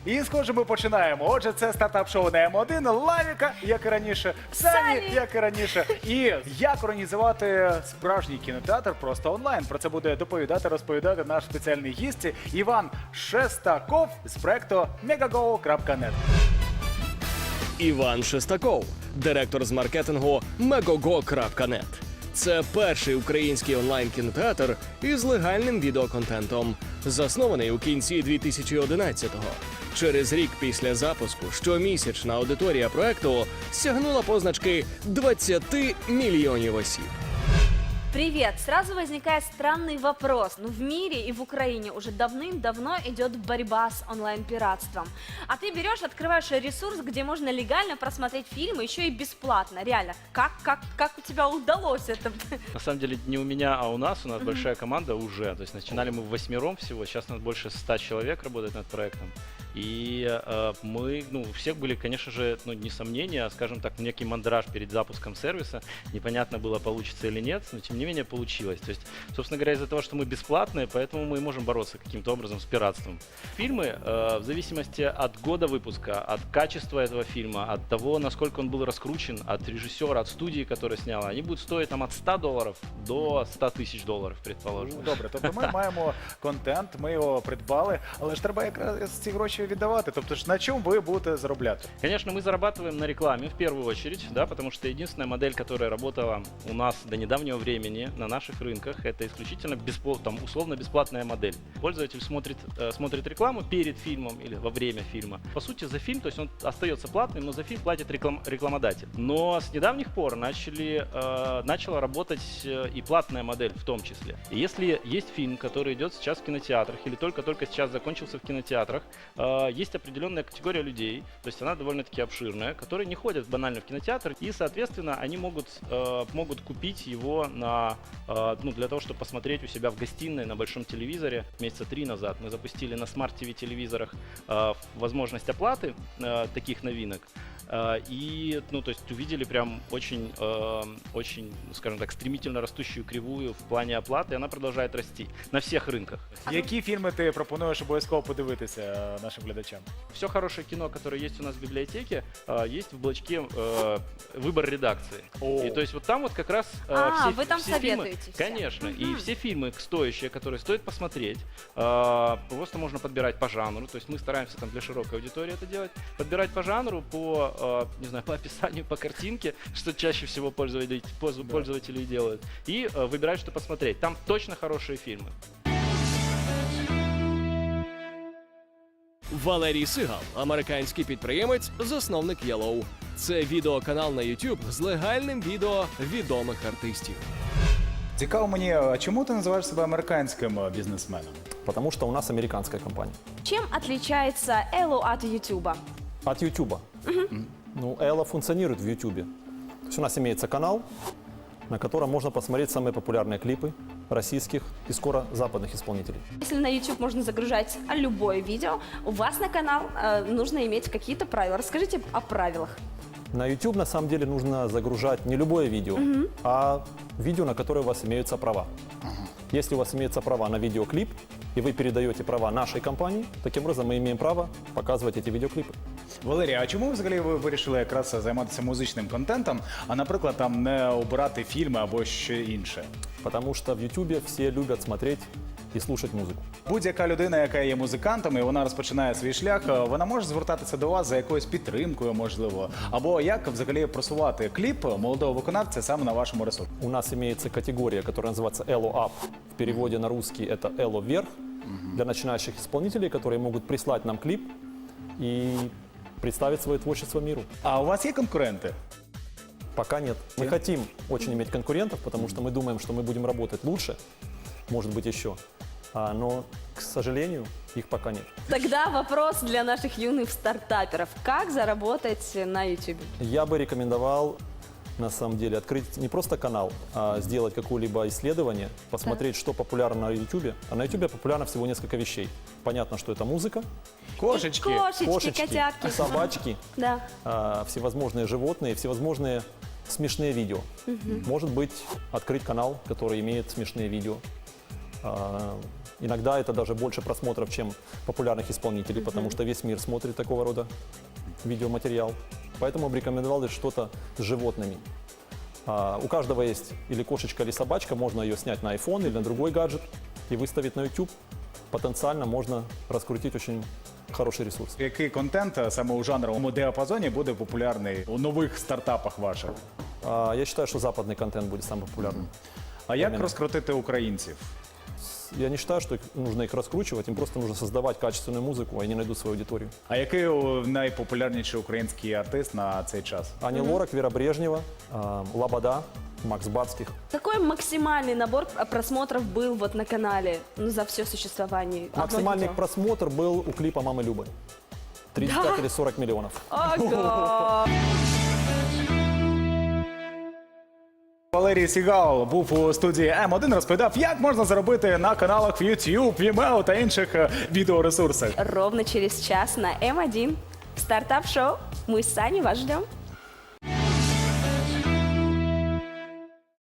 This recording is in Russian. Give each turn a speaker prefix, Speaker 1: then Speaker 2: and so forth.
Speaker 1: І, схоже, ми починаємо. Отже, це стартап-шоу на М1, Лавіка, як і раніше, Сані, як і раніше. І як організувати справжній кінотеатр просто онлайн. Про це буде доповідати, розповідати наш спеціальний гість Іван Шестаков з проекту megago.net.
Speaker 2: Іван Шестаков, директор з маркетингу megago.net. Це перший український онлайн-кінотеатр із легальним відеоконтентом, заснований у кінці 2011-го. Через рік після запуску щомісячна аудиторія проекту сягнула позначки 20 мільйонів осіб.
Speaker 3: Привет! Сразу возникает странный вопрос. В мире и в Украине уже давным-давно идет борьба с онлайн-пиратством. А ты берешь, открываешь ресурс, где можно легально просмотреть фильмы, еще и бесплатно. Реально, как у тебя удалось это?
Speaker 4: На самом деле не у меня, а у нас большая команда уже. То есть начинали мы в 8 всего, сейчас у нас больше 100 человек работает над проектом. И мы, у всех были, конечно же, не сомнения, а, скажем так, некий мандраж перед запуском сервиса. Непонятно было, получится или нет, но тем не менее получилось. То есть, собственно говоря, из-за того, что мы бесплатные, поэтому мы и можем бороться каким-то образом с пиратством. Фильмы, в зависимости от года выпуска, от качества этого фильма, от того, насколько он был раскручен, от режиссера, от студии, которая сняла, они будут стоить там от $100 до 100 тисяч доларів, предположим.
Speaker 1: Добре, тобто ми маємо контент, ми його придбали, але ж треба якраз ці гроші віддавати. Тобто ж на чому ви будете заробляти?
Speaker 4: Конечно, мы зарабатываем на рекламе в первую очередь, да, потому что единственная модель, которая работала у нас до недавнего времени на наших рынках, это исключительно условно-бесплатная модель. Пользователь смотрит рекламу перед фильмом или во время фильма. По сути, за фильм, то есть он остается платным, но за фильм платит рекламодатель. Но с недавних пор начала работать и платная модель в том числе. И если есть фильм, который идет сейчас в кинотеатрах или только-только сейчас закончился в кинотеатрах, есть определенная категория людей, то есть она довольно-таки обширная, которые не ходят банально в кинотеатр, и, соответственно, они могут купить его для того, чтобы посмотреть у себя в гостиной на большом телевизоре. Месяца 3 назад мы запустили на смарт-ТВ телевизорах возможность оплаты таких новинок. И, то есть увидели прям очень, скажем так, стремительно растущую кривую в плане оплаты, и она продолжает расти на всех рынках.
Speaker 1: Які фільми ти пропонуєш обов'язково подивитися нашим глядачам?
Speaker 4: Все хорошее кино, которое есть у нас в библиотеке, есть в блочке «Выбор редакции». И то есть вот там вот как раз
Speaker 3: вы там
Speaker 4: все
Speaker 3: советуете
Speaker 4: фильмы,
Speaker 3: все.
Speaker 4: конечно, и все фильмы стоящие, которые стоит посмотреть, просто можно подбирать по жанру, то есть мы стараемся там для широкой аудитории это делать, подбирать по жанру, по описанию, по картинке, что чаще всего пользователи и делают, и выбирать, что посмотреть. Там точно хорошие фильмы.
Speaker 2: Валерій Сигал, американський підприємець, засновник Yellow. Це відеоканал на YouTube з легальним відео відомих артистів.
Speaker 1: Цікаво мені, а чому ти називаєш себе американським бізнесменом?
Speaker 5: Потому что у нас американская компания.
Speaker 3: Чем отличается Элло от Ютуба?
Speaker 5: От Ютуба. Элла функционирует в Ютубе. То есть у нас имеется канал, на котором можно посмотреть самые популярные клипы российских и скоро западных исполнителей.
Speaker 3: Если на YouTube можно загружать любое видео, у вас на канал нужно иметь какие-то правила. Расскажите о правилах.
Speaker 5: На YouTube на самом деле нужно загружать не любое видео, а видео, на которое у вас имеются права. Если у вас имеются права на видеоклип, и вы передаете права нашей компании, таким образом мы имеем право показывать эти видеоклипы.
Speaker 1: Валерій, а чому взагалі ви вирішили якраз займатися музичним контентом, а, наприклад, там не обирати фільми або що інше?
Speaker 5: Потому что в YouTube все любят смотреть и слушать музыку.
Speaker 1: Будь-яка людина, яка є музикантом, і вона розпочинає свій шлях, вона може звертатися до вас за якоюсь підтримкою, можливо, або як взагалі просувати кліп молодого виконавця саме на вашому ресурсі.
Speaker 5: У нас имеется категория, которая называется Ello Up. В переводе на русский это Ello Вверх. Для начинающих исполнителей, которые могут прислать нам клип и представить свое творчество миру.
Speaker 1: А у вас є конкуренти?
Speaker 5: Пока нет. Мы хотим очень иметь конкурентов, потому что мы думаем, что мы будем работать лучше, может быть еще. Но, к сожалению, их пока нет.
Speaker 3: Тогда вопрос для наших юных стартаперов. Как заработать на YouTube?
Speaker 5: Я бы рекомендовал, на самом деле, открыть не просто канал, а сделать какое-либо исследование, посмотреть, что популярно на YouTube. А на YouTube популярно всего несколько вещей. Понятно, что это музыка,
Speaker 1: Кошечки.
Speaker 3: Кошечки, котятки.
Speaker 5: собачки,
Speaker 3: Да.
Speaker 5: всевозможные животные, всевозможные смешные видео. Может быть, открыть канал, который имеет смешные видео. Иногда это даже больше просмотров, чем популярных исполнителей, потому что весь мир смотрит такого рода видеоматериал. Поэтому бы рекомендовал что-то с животными. У каждого есть или кошечка, или собачка, можно ее снять на iPhone или на другой гаджет и выставить на YouTube. Потенциально можно раскрутить очень хороший ресурс.
Speaker 1: Який контент саме у жанровому діапазоні буде популярний у нових стартапах ваших?
Speaker 5: Я считаю, что западный контент будет самым популярным.
Speaker 1: А як розкрутити українців?
Speaker 5: Я не считаю, что нужно их раскручивать, им просто нужно создавать качественную музыку, и они найдут свою аудиторию.
Speaker 1: А який найпопулярніший український артист на цей час?
Speaker 5: Ани Лорак, Вера Брежнева, Лобода, Макс Барских.
Speaker 3: Какой максимальный набор просмотров был вот на канале за все существование? Одно
Speaker 5: Максимальный
Speaker 3: видео.
Speaker 5: просмотр был у клипа «Мамы Любы». 35 или 40 миллионов.
Speaker 3: Ага.
Speaker 1: Валерій Сігал був у студії М1, розповідав, як можна заробити на каналах в YouTube, Vimeo та інших відеоресурсах.
Speaker 3: Ровно через час на М1 стартап-шоу. Мы с Саней вас ждем.